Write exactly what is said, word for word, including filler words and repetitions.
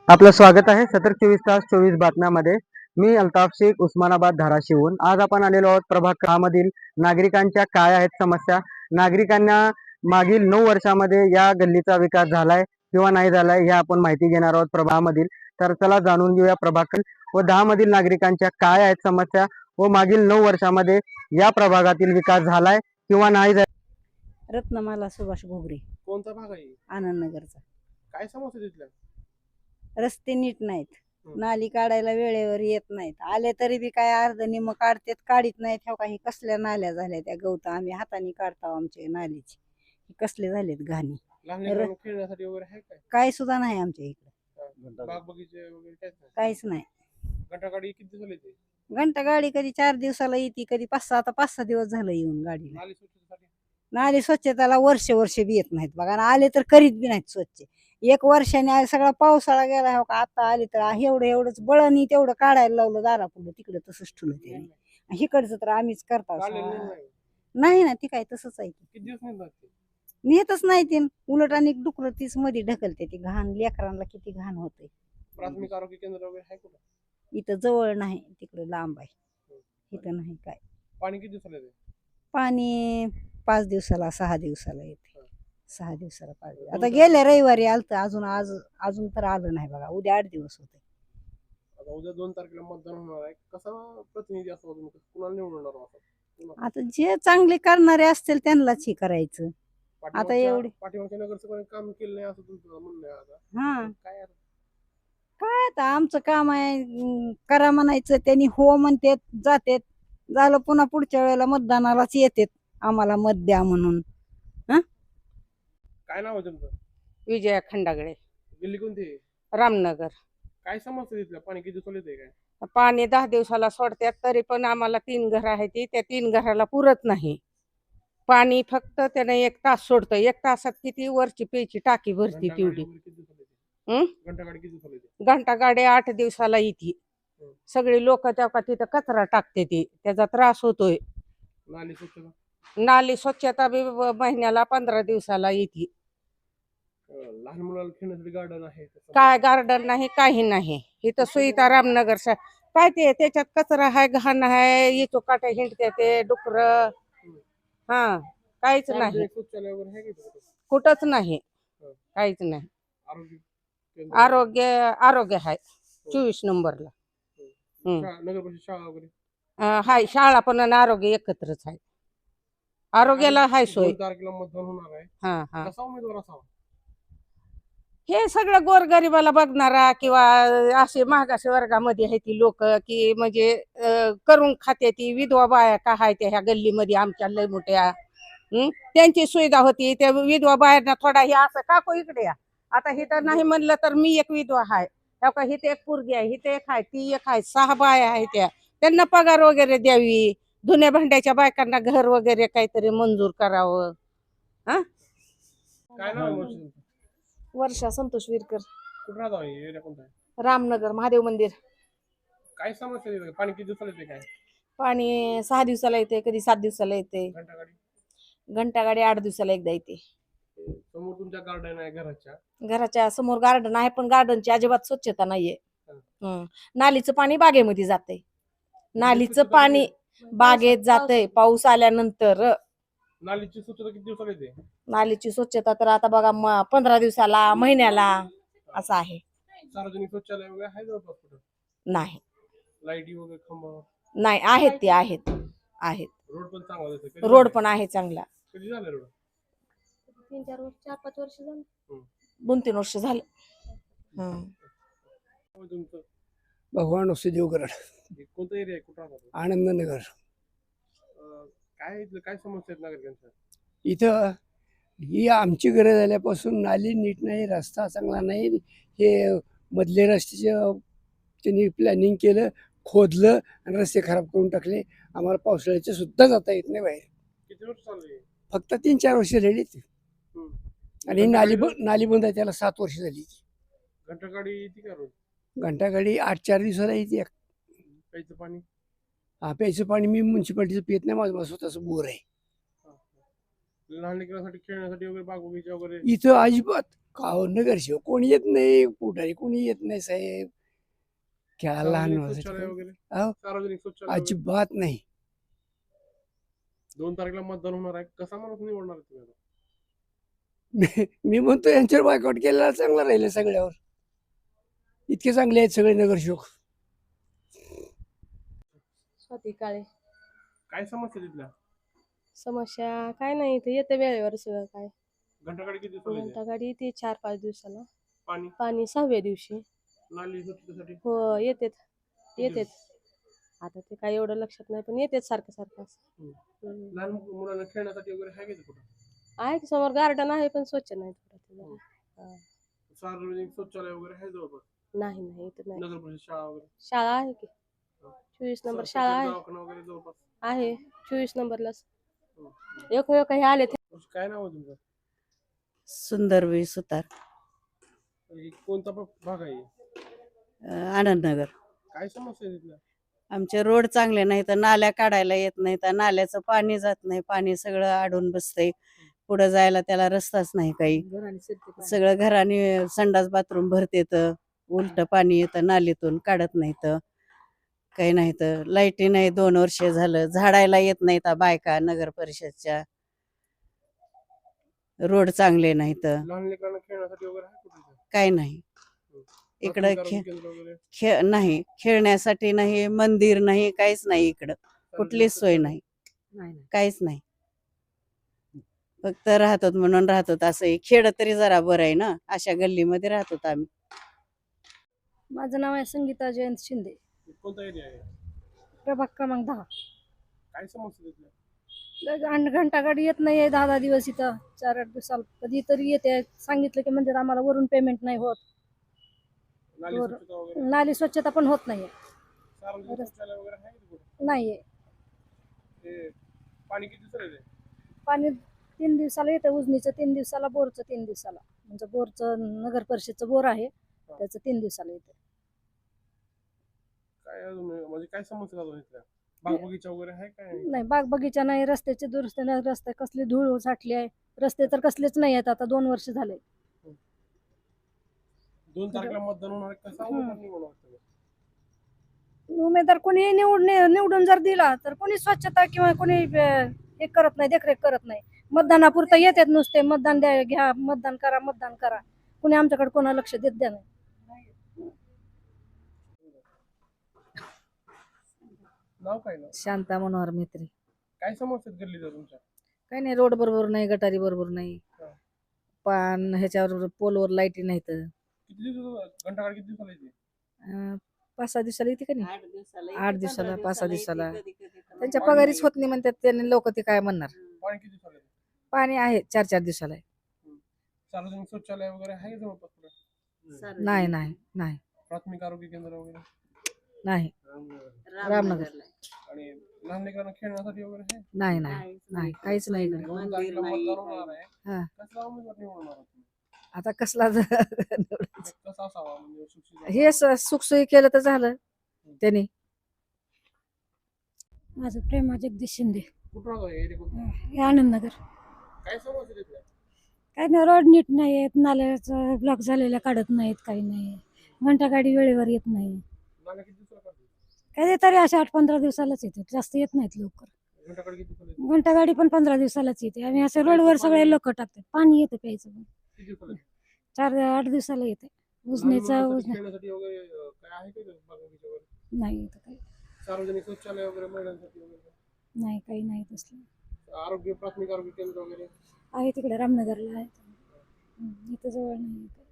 आपलं स्वागत आहे सतर चोवीस तास चोवीस बातम्यामध्ये. मी अल्ताफ शेख, उस्मानाबाद धाराशिवून. आज आपण आलेलो आहोत प्रभाग मधील नागरिकांच्या काय आहेत समस्या. नागरिकांना मागील नऊ वर्षामध्ये या गल्लीचा विकास झालाय किंवा नाही झालाय हे आपण माहिती घेणार आहोत प्रभागामधील. तर चला जाणून घेऊया प्रभाग व दहा मधील नागरिकांच्या काय आहेत समस्या व मागील नऊ वर्षामध्ये या प्रभागातील विकास झालाय किंवा नाही झालाय. रत्नमाला सुभाष घोगरे. कोणता भाग आहे? आनंदनगरचा. काय समस्या तिथल्या? रस्ते नीट नाहीत, हं. नाली काढायला वेळेवर येत नाहीत, आले तरी बी काय अर्ध निम काढतेत, काढीत नाहीत. ह्या काही कसल्या नाल्या झाल्या त्या गवत आम्ही हाताने काढतो आमच्या नालीची. हे कसले झालेत घाणी. लहान लेकरांना खेळण्यासाठी वगैरे आहे काय? काय सुद्धा नाही आमच्या इकडे, हा, बाग बगीचे वगैरे काहीच नाही? काहीच नाही. घंटागाडी किती दिवस झाली ते? घंटा गाडी कधी चार दिवसाला येते, कधी पाच सहा, आता पाच सहा दिवस झालं येऊन गाडीला. नाली स्वच्छतेसाठी? नाली स्वच्छताला वर्ष वर्ष बी येत नाहीत बघा, आणि आले तर करीत बी नाहीत स्वच्छ. एक वर्षाने आ- सगळा पावसाळा गेला हो का, आता आले तर आ- एवढं एवढंच बळणी तेवढं काढायला लावलं दारापुढं, तिकडे तसंच ठेवलं त्याने. इकडचं तर आम्हीच करतो. काढलेलं नाही नाही. नाही ना, ती काय तसंच आहे की. किती दिवस नाही जात ते? नेतच नाही ते, उलट आणि डुकर तीच मध्ये ढकलते ती घाण. लेकरांना किती घाण होते. प्राथमिक आरोग्य केंद्र वगैरे आहे कुठं? इथं जवळ नाही, तिकडे लांब आहे. इथं नाही काय. पाणी किती दिवसाला येते? पाणी पाच दिवसाला सहा दिवसाला येते. सहा दिवसाला पाच दिवस. आता दोन गेल्या रविवारी आलत, अजून आज अजून तर आलं नाही बघा. उद्या आठ दिवस होते. आता उद्या दोन तारखेला मतदान होणार आहे. कसा प्रतिनिधी असतो तुम्ही? कुणाला निवडणार आहात? कुणाला? आता जे चांगले करणारे असतील त्यांनाच हे करायचं. पाठीमागच्या- एवढे- पाठीमागच्या नगरसेवकांनी काम केलं नाही असं तुमचं म्हणणं आहे आता? हा, काय आहे? काय आता आमचं काम आहे, अं, करा म्हणायचं, त्यांनी हो म्हणतेत, जातेत. झालं पुन्हा पुढच्या वेळेला मतदानालाच येतेत आम्हाला मत द्या म्हणून. काय नाव आहे तुमचं? विजया खंडागळे, दिल्ली कोणती आहे? रामनगर. काय समस्या तिथल्या? पाणी किती दिवसाला येते काय? पाणी दहा दिवसाला सोडतात, तरी पण आम्हाला तीन घर आहे ती त्या तीन घराला पुरत नाही पाणी. फक्त त्याने एक तास सोडतं, एक तासात किती वरची प्यायची टाकी भरती घंटागाडी तेवढी. वगैरे किती दिवसाला येते? हं? घंटागाडी किती दिवसाला येते? घंटा गाडी आठ दिवसाला येते. हं. सगळी लोक तेव्हा तिथं कचरा टाकते ती, त्याचा त्रास होतोय. नाली स्वच्छता? नाली स्वच्छता बी ब- महिन्याला पंधरा दिवसाला येते. अं, लहान मुलाला खेळण्यासाठी गार्डन आहे तसं? काय गार्डन नाही, काही नाही इथं. सुईता रामनगर सा- काय ते त्याच्यात कचरा आहे, घाण आहे, इथं काट्या हिंडते ते डुकर. हा, काहीच नाही, सार्वजनिक शौचालय वगैरे आहे का तिथं? कुठंच नाही, हं. काहीच नाही. आरोग्य केंद्र? आरोग्य आरोग्य आहे चोवीस नंबरला. हं. शा- नगर परिषद शाळा वगैरे? अं, हाय शाळा पण आणि आरोग्य एकत्रच आहे. आरोग्याला हाय सोय. दोन तारखेला मतदान होणार आहे. हा हा कसा उमेदवार असावा? हे सगळं गोरगरिबाला बघणारा, किंवा असे मागास वर्गामध्ये आहे ती लोक, की म्हणजे अं, करून खाते ती विधवा बाया का आहे त्या ह्या गल्लीमध्ये आमच्या लय मोठ्या. हं? त्यांची सुविधा होती त्या विधवा बायांना थोडा हे असं काकू इकडे या. आता हे तर नाही म्हणलं तर मी एक विधवा आहे, का हिथे एक पोरगी आहे, हिथे एक आहे, ती एक आहे, सहा बाया आहे त्या. त्यांना पगार वगैरे द्यावी, धुण्या भांड्याच्या बायकांना घर वगैरे काहीतरी मंजूर करावं. हा, काय नाव आहे मावशी तुमचं? वर्षा संतोष विरकर. कुठं राहता हे एरिया कोणता आहे? रामनगर महादेव मंदिर. काय समस्या आहे तिथं? पाणी किती दिवसाला येते काय? पाणी सहा दिवसाला येते, कधी सात दिवसाला येते. घंटागाडी? घंटागाडी आठ दिवसाला एकदा येते. समोर तुमच्या गार्डन आहे घराच्या? घराच्या समोर गार्डन आहे, पण गार्डनची अजिबात स्वच्छता नाहीये. हं. नालीचं पाणी बागेमध्ये जाते. नालीचं पाणी बागेत जातंय पाऊस आल्यानंतर. नालीची स्वच्छता किती दिवसाला येते? नालीची स्वच्छता तर आता बघा म- पंधरा दिवसाला, महिन्याला असं आहे. सार्वजनिक शौचालय वगैरे आहे जवळपास कुठं? नाही लाईटी वगैरे खंबा? नाही आहेत ते आहेत आहेत रोड पण चांगला दिसतोय. कधी रोड झालंय? पण आहे चांगला. कधी झालं रोड? तीन चार वर्ष चार पाच वर्ष झालं. हं. दोन तीन वर्ष झालं. हं. नाव आहे तुमचं? भगवान वसुदेवगड, हे कोणता एरिया आहे? कुठं राहता? आनंदनगर. अं, काय इथलं काय समस्या आहेत नागरिकांच्या? इथं ही आमची गरज झाल्यापासून नाली नीट नाही, रस्ता चांगला नाही. हे मधले रस्त्याचं त्यांनी प्लॅनिंग केलं, खोदलं आणि रस्ते खराब करून टाकले. आम्हाला पावसाळ्याचे सुद्धा जाता येत नाही बाहेर. किती वर्ष चालू आहे? फक्त तीन चार वर्ष झाली ती. हं. आणि नाली ब नाली बंद आहे, त्याला सात वर्ष झाली. घंटागाडी येते का रोज? घंटागाडी आठ चार दिवसाला येते. प्यायचं पाणी? हा, प्यायचं पाणी मी म्युन्सिपाल्टीचं पित नाही, माझं स्वतःचं बोर आहे. लहान लेकरांसाठी खेळण्यासाठी वगैरे बाग बगीचा वगैरे? इथं अजिबात काव नगरसेवक कोणी येत नाही, पुढारी कोणी येत नाही साहेब. क्या लहान सार्वजनिक माणसाचं शौचालय काय? वगैरे अहो, सार्वजनिक शौचालय वगैरे? अजिबात नाही. दोन तारखेला मतदान होणार आहे, कसा माणूस निवडणार आहे तुम्ही आता? मी मी म्हणतो यांच्यावर बायकॉट केलेला चांगला राहिलं सगळ्यावर. इतके चांगले आहेत सगळे नगरसेवक. स्वाती काळे. काय समस्या तिथल्या? समस्या काय नाही, इथे येते वेळेवर सगळं काय. घंटागाडी किती दिवसाला येते? घंटा गाडी येते चार पाच दिवसाला. पाणी पाणी सहाव्या दिवशी. नाली स्वच्छतेसाठी हो येतेत येतेत. आता ते काय एवढं लक्षात नाही, पण येतेत सारखं सारखं असं. हम्म. हम्म. लहान मुलांना खेळण्यासाठी वगैरे आहे का कुठं? आहे की समोर गार्डन आहे, पण स्वच्छ नाही थोडं ते जरा. हा. सार्वजनिक शौचालय वगैरे आहे जवळपास? नाही नाही इथं नाही. नगर परिषद शाळा वगैरे? शाळा आहे की चोवीस नंबर शाळा आहे दवाखाना वगैरे जवळपास? आहे चोवीस नंबरलाच. हम्म. एक एक हे आले ते. काय नाव आहे तुमचं? सुंदरवी सुतार, हे कोणता प- भाग आहे? अं, आनंदनगर. काय समस्या आहे तिथल्या? आमचे रोड चांगले नाही तर नाल्या काढायला येत नाही तर नाल्याचं पाणी जात नाही, पाणी सगळं अडून बसतंय. पुढं जायला त्याला रस्ताच नाही काही. सगळं घराने संडास बाथरूम भरते तर उलट पाणी येतं नालीतून, काढत नाही तर काही नाही तर लाईटी नाही. दोन वर्ष झालं झाडायला येत नाही तर बायका नगर परिषदच्या. रोड चांगले नाही तर लहान लेकरांना खेळण्यासाठी वगैरे आहे कुठे? काही नाही. इकडं प्राथमिक खे आरोग्य केंद्र वगैरे? खेळ नाही, खेळण्यासाठी नाही, मंदिर नाही, काहीच नाही इकडं. कुठलीच सोय नाही, काहीच नाही. फक्त राहतो म्हणून राहतो असं. खेळ तरी जरा बरं आहे ना, अशा गल्लीमध्ये राहतो आम्ही. माझं नाव आहे संगीता जयंत शिंदे, कोणता एरिया आहे? प्रभाग क्रमांक दहा. काय समस्या तिथल्या? घंटा गाडी येत नाही आहे दहा दहा दिवस इथं, चार आठ दिवसाला कधीतरी येते. सांगितलं की म्हणजे आम्हाला वरून पेमेंट नाही होत. नाली बरं. स्वच्छता वगैरे? नाली स्वच्छता पण होत नाहीये. सार्वजनिक शौचालय वगैरे आहे का कुठं? नाहीये. ते पाणी किती दिवसाला येते? पाणी तीन दिवसाला येतं, उजनीचं तीन दिवसाला, बोरचं तीन दिवसाला. म्हणजे बोरचं नगर परिषदचं बोर आहे, त्याचं तीन दिवसाला येतं. काय अजून म्हणजे काय समस्या अजून इथल्या? बाग बगीचा वगैरे आहे काय? नाही, बाग बगीचा नाही, रस्त्याचे दुरुस्ती नाही, रस्ते कसली धूळ साठली आहे. रस्ते तर कसलेच नाही आहेत, आता दोन वर्ष झाले. दोन तारखेला मतदान होणार आहे, कसा उमेदवार निवडणार तुम्ही? उमेदवार कोणी निवड निवडून जर दिला तर कोणी स्वच्छता किंवा कोणी अं, हे करत नाही, देखरेख करत नाही. मतदानापुरतं येतात नुसते, मतदान द्या, घ्या, मतदान करा, मतदान करा. कोणी आमच्याकडे कोणा लक्ष देत द्या नाही. नाव काय ना? शांता मनोहर मित्री. काय समस्या आहेत गल्लीत तुमच्या? काही नाही, रोड बरोबर नाही, गटारी बरोबर नाही, हा. पान ह्याच्यावर पोलवर लाईटी नाहीत. किती दिवस घंटागाडी किती दिवसाला येते? अं, पाच सहा दिवसाला येते का नाही, आठ दिवसाला आठ दिवसाला, पाच सहा दिवसाला. त्यांच्या पाणी- पगारीच होत नाही म्हणतात त्यांनी, लोक ते काय म्हणणार. पाणी किती दिवसाला येते? पाणी आहे चार चार दिवसाला आहे. सार्वजनिक शौचालय वगैरे आहे जवळपास कुठं? नाही नाही नाही प्राथमिक आरोग्य केंद्र वगैरे? नाही. रामनगर. आणि लहान लेकरांना खेळण्यासाठी वगैरे आहे? नाही नाही नाही, काहीच नाही इकडे. दोन तारखेला मतदान होणार आहे, हा. कसला उमेदवार निवडणार आहात तुम्ही? आता कसला ज- कसा असावा म्हणजे सुशिक्षित? हे स- सुखसोयी केलं तर झालं त्यांनी. माझं प्रेमा जगदीश शिंदे, कुठं राहतो हे area कुठं? हे आनंदनगर. काय समस्या तिथल्या? काय नाही, रोड नीट नाही आहेत, नाल्याचं ब्लॉक झालेल्या काढत नाहीत, काही नाही. घंटा गाडी वेळेवर येत नाही. नाल्या किती दिवसाला काढतात? काय तरी अशा आठ पंधरा दिवसालाच येतात, जास्त येत नाहीत लवकर. घंटागाडी किती दिवसाला येते? घंटा गाडी पण पंधरा दिवसालाच येते. आणि असं रोडवर सगळे लोक टाकतात. पाणी येतं प्यायचं पण किती दिवसाला येते? चार आठ दिवसाला येते. लहान उजनीचं मुलांसाठी उजने खेळण्यासाठी वगैरे अं, काय आहे का बाग बगीचा वगैरे? नाही येतं काही, सार्वजनिक शौचालय वगैरे महिलांसाठी वगैरे? नाही काही नाही तसलं. आरोग्य प्राथमिक आरोग्य केंद्र वगैरे? आहे तिकडे रामनगरला आहे. हम्म, इथं जवळ नाही.